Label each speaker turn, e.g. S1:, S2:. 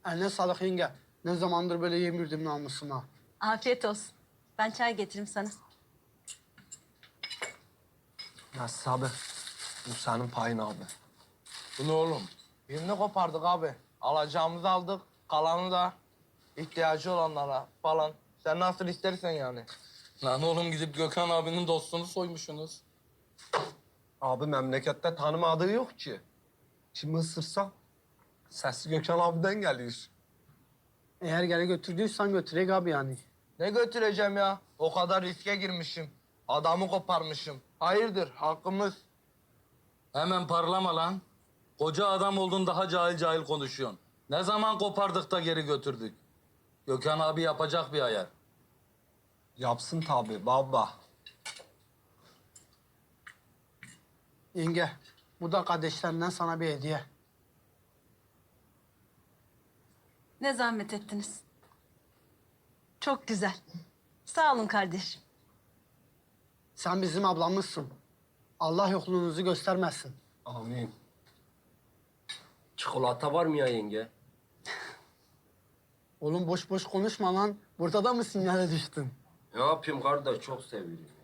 S1: Eline sağlık yenge. Ne zamandır böyle yemirdim namusuma.
S2: Afiyet olsun. Ben çay getireyim sana.
S3: Nasıl abi? Bu senin payın abi.
S4: Bu ne oğlum? Birini kopardık abi. Alacağımızı aldık. Kalanı da ihtiyacı olanlara falan. Sen nasıl istersen yani.
S5: Lan oğlum gidip Gökhan abinin dostunu soymuşsunuz.
S3: Abi memlekette tanımadığı yok ki. Şimdi ısırsam sesi Gökhan abiden geliyor.
S1: Eğer geri götürdüysen götürek abi yani.
S4: Ne götüreceğim ya? O kadar riske girmişim. Adamı koparmışım. Hayırdır hakkımız.
S5: Hemen parlama lan. Koca adam oldun daha cahil cahil konuşuyorsun. Ne zaman kopardık da geri götürdük? Gökhan abi yapacak bir ayar.
S3: Yapsın tabii baba.
S1: Yenge, bu da kardeşlerinden sana bir hediye.
S2: Ne zahmet ettiniz. Çok güzel. Sağ olun kardeşim.
S1: Sen bizim ablamızsın. Allah yokluğunuzu göstermesin.
S3: Amin.
S6: Çikolata var mı ya yenge?
S1: Oğlum boş boş konuşma lan. Burada da mı sinyale düştün?
S6: Ne yapayım kardeş çok seviyorum.